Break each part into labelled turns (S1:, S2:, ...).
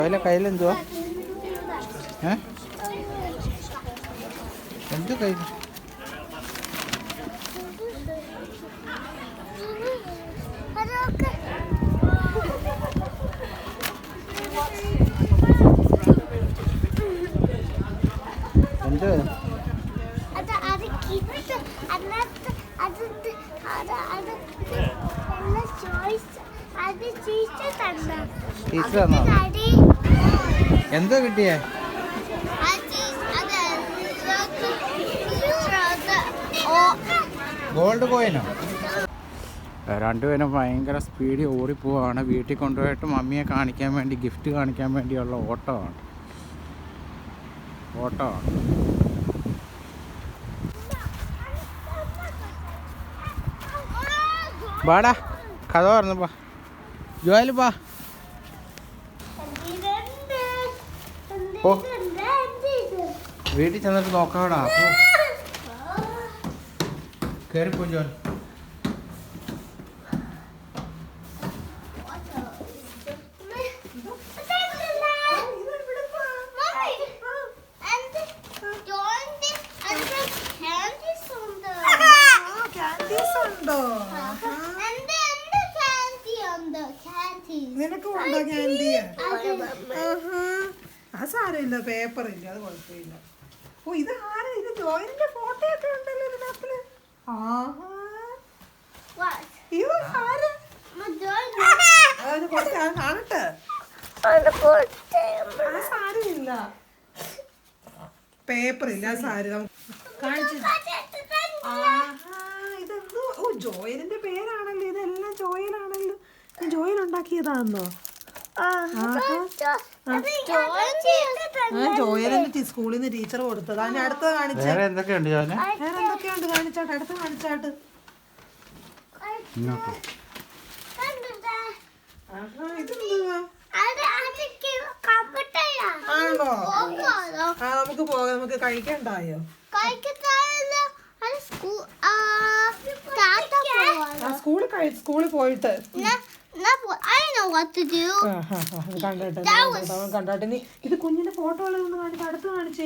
S1: കയ്യിലെന്തുവാ? എന്ത് കയ്യിൽ? എന്ത്? ടീച്ചറാണോ? എന്താ കിട്ടിയേ? ഗോൾഡ് കോയിനോ? രണ്ടുപേരും ഭയങ്കര സ്പീഡിൽ ഓടിപ്പോവാണ്. വീട്ടിൽ കൊണ്ടുപോയിട്ട് മമ്മിയെ കാണിക്കാൻ വേണ്ടി, ഗിഫ്റ്റ് കാണിക്കാൻ വേണ്ടിയുള്ള ഓട്ടമാണ്. ബാടാ, കഥ പറഞ്ഞപ്പാ. ജോയല് പാ. ഓ, വീട്ടിൽ ചെന്നിട്ട് നോക്കാടാ. കയറിപ്പോ ജോൻ.
S2: നിനക്കുണ്ടോ ക്യാൻഡി? ആ സാരമില്ല, പേപ്പറില്ല, അത് കുഴപ്പമില്ല. ഓ, ഇത് ആരാ? ഇത് ജോയിന്റെ ഫോട്ടോ ഒക്കെ ഉണ്ടല്ലോ ഇതിനകത്ത്. കാണട്ടെ. ആ സാരമില്ല, പേപ്പറില്ല, സാരി കാണിച്ചു. ഇതെന്തോ? ഓ, ജോയലിന്റെ പേരാണല്ലോ ഇതെല്ലാം. ജോയലാണല്ലോ. ജോയൽ ഉണ്ടാക്കിയതാണോ? ജോയലിന്റെ സ്കൂളിൽ നിന്ന് ടീച്ചർ കൊടുത്തത്. അതിന് അടുത്ത് കാണിച്ചു.
S1: വേറെ എന്തൊക്കെയുണ്ട്?
S2: കാണിച്ചാട്ട്, അടുത്ത് കാണിച്ചാട്ട്. ഇതെന്തുവാ? ആണോ? നമുക്ക് പോകാം. നമുക്ക് കഴിക്കണ്ടായോ? സ്കൂളിൽ പോയിട്ട് കണ്ടോട്ടെ. നീ ഇത് കുഞ്ഞിന്റെ ഫോട്ടോ ഉള്ളതൊന്ന് കാണിച്ച് അടുത്ത് കാണിച്ചേ.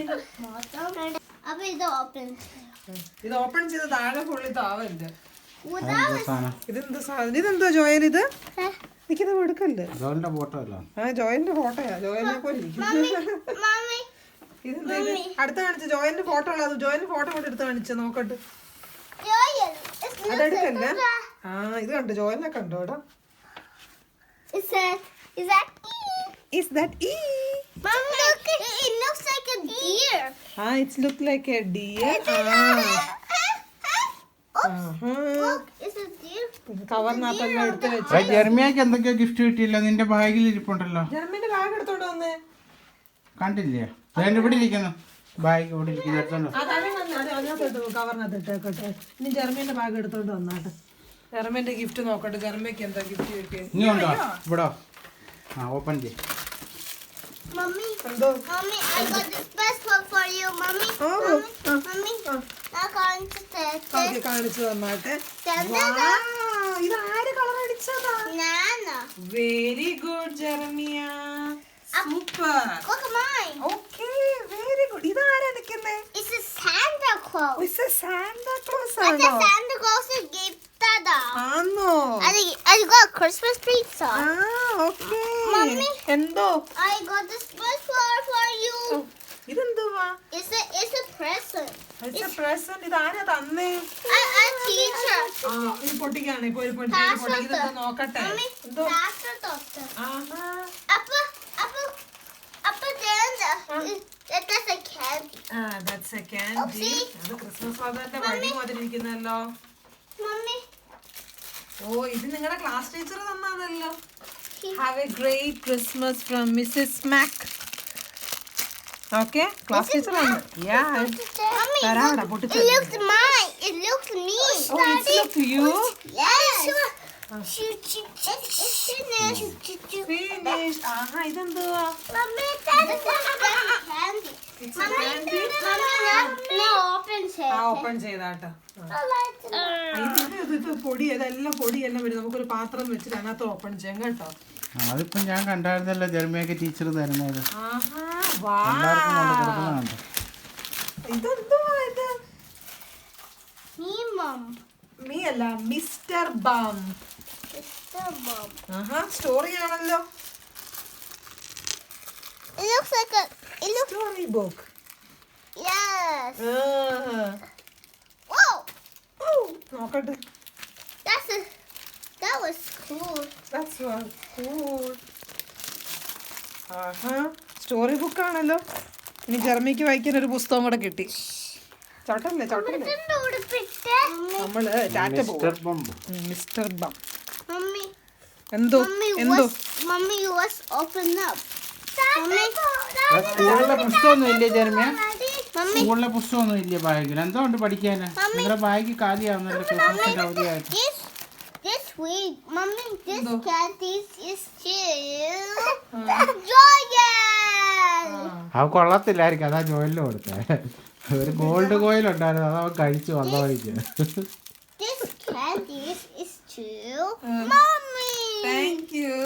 S2: ഇത് ഓപ്പൺ ചെയ്ത് താഴെ ഫുള്ളി താവല്ലേ. ഇതെന്താ സാധനം? ഇതെന്താ ജോയൽ? ഇത് എനിക്കിത് എടുക്കല്ലേ?
S1: ജോയലിന്റെ ഫോട്ടോ അല്ല.
S2: ജോയലിന്റെ ഫോട്ടോയാ. ജോയലിനെ പോലെ ഇതെന്താ? ഇത് അടുത്ത് കാണിച്ച ജോയലിന്റെ ഫോട്ടോ ഉള്ളത്. ജോയലിന്റെ ഫോട്ടോ കൂടെ എടുത്ത് കാണിച്ച നോക്കട്ടെ. അതെടുക്കല്ലേ? ഇത് കണ്ടോ? ജോയലിനെ കണ്ടോടാ. Is that E?
S3: Mom, look, it looks like a deer.
S2: It looks like a deer.
S3: Look, it's a deer.
S2: കവറിനകത്തെല്ലാം എടുത്ത് വെച്ച്.
S1: ജെർമിയക്ക് എന്തൊക്കെയോ ഗിഫ്റ്റ് കിട്ടിയില്ല. നിന്റെ ബാഗിൽ ഇരിപ്പുണ്ടല്ലോ.
S2: ജെർമിന്റെ ബാഗ് എടുത്തോണ്ട് വന്നേ.
S1: കണ്ടില്ലേ? ഇവിടെ ഇരിക്കുന്നു. ബാഗ് ഇവിടെ ഇരിക്കുന്നു.
S2: കവറിനകത്ത് ഇട്ടേക്കട്ടെ. ഇനി ജെർമിന്റെ ബാഗ് എടുത്തോണ്ട് വന്നാട്ടെ. ജെർമിന്റെ ഗിഫ്റ്റ് നോക്കട്ടെ. ജെർമിക്ക് എന്താ ഗിഫ്റ്റ് കിട്ടിയത്?
S1: നീ ഉണ്ടോ ഇവിടെ? ഓപ്പൺ ചെയ്യ്.
S3: Mommy,
S2: എന്തോ?
S3: Mommy, I got this best one for you, Mommy. Mommy, I can't say.
S2: കാണിച്ചു തന്നാട്ടെ. ഇത് ആര് കളർ അടിച്ചതാ?
S3: Nana.
S2: Very good Jermia. Super.
S3: Look at mine.
S2: Okay, very good. ഇത് ആരാ നിൽക്കുന്നേ?
S3: It's a Santa Claus.
S2: It's a Santa Claus
S3: But the
S2: ആണോ?
S3: Santa Claus gave Dada.
S2: ആണോ?
S3: I got a Christmas pizza.
S2: Okay.
S3: Mommy.
S2: എന്തോ?
S3: I got this best one for you.
S2: ഇതെന്തുവാ?
S3: It's a present.
S2: It's a present. ഇത് ആരാ തന്നേ?
S3: A teacher.
S2: ഇത് പൊട്ടിക്കാണ്. ഇപ്പൊ ഒരു പൊട്ടിക്കുന്നത് നോക്കട്ടെ.
S3: Mommy,
S2: എന്തോ?
S3: that's the doctor.
S2: ആഹാ.
S3: Appa, then that's a candy.
S2: That's a candy. അത് ക്രിസ്മസ് ഫാദറിന്റെ വടി മാതിരിയിരിക്കുന്നല്ലോ.
S3: Mommy.
S2: ഓ, ഇത് നിങ്ങളുടെ ക്ലാസ് ടീച്ചർ തന്നതല്ലോ. Have a great Christmas from Mrs. Mac. Okay, class teacher ആണ്. Yeah.
S3: Mommy,
S2: തരാടാ,
S3: it
S2: പൊട്ടിച്ചു.
S3: looks mine. It looks me.
S2: Oh, it's look you.
S3: Yes.
S2: Finished. ആഹാ, ഇതെന്തുവാ?
S3: Mommy, that's candy.
S2: It's a candy.
S3: No, open it.
S2: Open ചെയ്താട്ടോ.
S3: I like it.
S2: ഇത് പൊടി, ഇതെല്ലാം പൊടിയെല്ലാം വരും. നമുക്കൊരു പാത്രം വെച്ചിട്ട് അതിനകത്ത് ഓപ്പൺ ചെയ്യാം കേട്ടോ.
S1: അതിപ്പം ഞാൻ കണ്ടായിരുന്നല്ലോ ജർമ്മയൊക്കെ ടീച്ചർ തരുന്നത്.
S2: ആഹാ,
S1: എല്ലാവർക്കും കൊണ്ട് കൊടുക്കുന്നതാണ്.
S2: ഇതെന്തുവാ ഇത്?
S3: Me, Mom.
S2: മീ അല്ല, മിസ്റ്റർ ബം.
S3: Mr. Mom.
S2: ആഹാ, സ്റ്റോറി ആണല്ലോ.
S3: It looks like a. It looks.
S2: Story book.
S3: Yes.
S2: ഓ,
S3: Whoa!
S2: നോക്കട്ടെ.
S3: That was cool.
S2: That's what cool. ആഹാ, സ്റ്റോറി ബുക്ക് ആണല്ലോ. ഇനി ജർമ്മയ്ക്ക് വായിക്കാൻ ഒരു പുസ്തകം കൂടെ കിട്ടി. ചവിട്ടല്ലേ ചവിട്ടല്ലേ. നമ്മള് ടാറ്റ പോകും.
S1: മിസ്റ്റർ ബംബ്.
S2: Mister bum.
S3: Mommy.
S2: എന്തോ
S3: Mommy,
S2: എന്തോ.
S3: Mommy, was open up.
S1: സ്കൂളിലെ പുസ്തകമൊന്നും ഇല്ലേ ജർമ്മ?
S3: Mommy.
S1: സ്കൂളിലെ പുസ്തകമൊന്നും ഇല്ലേ ബാഗിൽ? എന്തോ ഉണ്ട് പഠിക്കാന്? നിങ്ങളുടെ ബാഗ് കാലിയാവുന്നല്ലോ ക്രിസ്മസിന്റെ അവധിയായിട്ട്.
S3: This week, Mommy, this
S2: No.
S3: candy is still Joyen.
S1: അത് കൊള്ളത്തില്ലായിരിക്കും, അതാ ജോയിലിന് കൊടുത്തേ. ഒരു ഗോൾഡ് കോയിൽ ഉണ്ടായിരുന്നു, അത് അവൻ കഴിച്ചു വന്ന വഴിക്ക്.
S3: This candy is to Mommy.
S2: Thank you.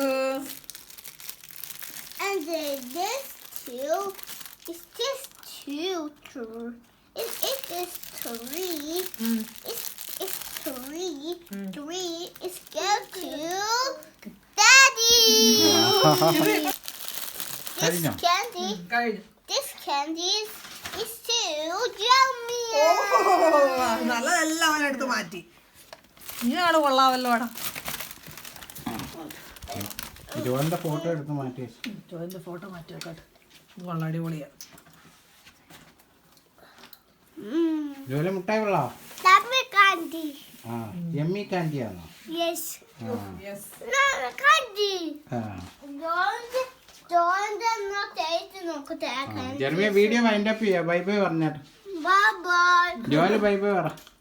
S3: And then this too is just two. It is three. It's three. Three is go to Daddy. This
S1: കഴിഞ്ഞോ?
S3: candy.
S2: കഴിഞ്ഞു.
S3: This candy is too yummy.
S2: നല്ലതെല്ലാം അവനെടുത്ത് മാറ്റി. ഇനിയാണ് കൊള്ളാമല്ലോ അവിടെ.
S1: ജോലിന്റെ photo എടുത്ത് മാറ്റി വെച്ചു.
S2: ജോയിന്റെ photo മാറ്റി വെക്കട്ടെ. ഇത് കൊള്ളാം, അടിപൊളിയാ.
S1: ജോലി മുട്ടായി വെള്ളോ?
S3: That's candy.
S1: ആ, യമ്മി കാൻഡി ആണോ?
S3: Yes.
S2: Yes.
S3: No, candy.
S1: ആ.
S3: Don't not taste no candy.
S1: Jermia video wind up ചെയ്യാം. ബൈ ബൈ പറഞ്ഞാട്ട്.
S3: Bye bye.
S1: ജോലി ബൈ ബൈ പറ.